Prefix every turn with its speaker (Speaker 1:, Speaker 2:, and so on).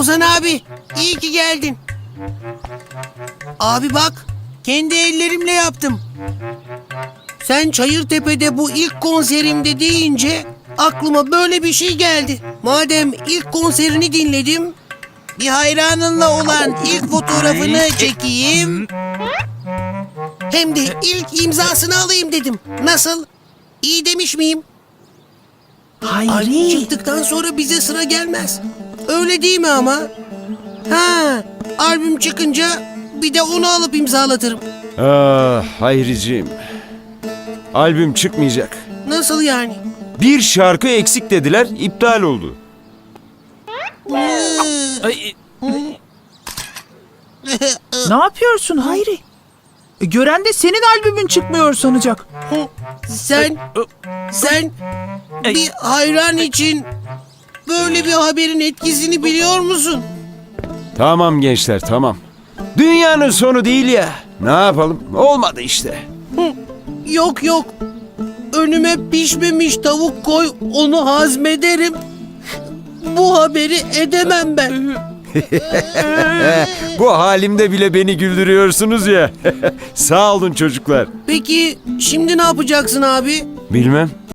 Speaker 1: Ozan abi, iyi ki geldin. Abi bak, kendi ellerimle yaptım. Sen Çayırtepe'de bu ilk konserimde deyince aklıma böyle bir şey geldi. Madem ilk konserini dinledim, bir hayranınla olan ilk fotoğrafını çekeyim. Hem de ilk imzasını alayım dedim. Nasıl? İyi demiş miyim? Albüm
Speaker 2: Hayri.
Speaker 1: çıktıktan sonra bize sıra gelmez. Öyle değil mi ama? Ha, albüm çıkınca bir de onu alıp imzalatırım.
Speaker 3: Ah Hayriciğim. Albüm çıkmayacak.
Speaker 1: Nasıl yani?
Speaker 3: Bir şarkı eksik dediler, iptal oldu.
Speaker 2: Ay, ne yapıyorsun Hayri? Gören de senin albümün çıkmıyor sanacak.
Speaker 1: Sen bir hayran için böyle bir haberin etkisini biliyor musun?
Speaker 3: Tamam gençler, tamam. Dünyanın sonu değil ya. Ne yapalım? Olmadı işte.
Speaker 1: Yok yok. Önüme pişmemiş tavuk koy, onu hazmederim. Bu haberi edemem ben.
Speaker 3: Bu halimde bile beni güldürüyorsunuz ya. Sağ olun çocuklar.
Speaker 1: Peki şimdi ne yapacaksın abi?
Speaker 3: Bilmem.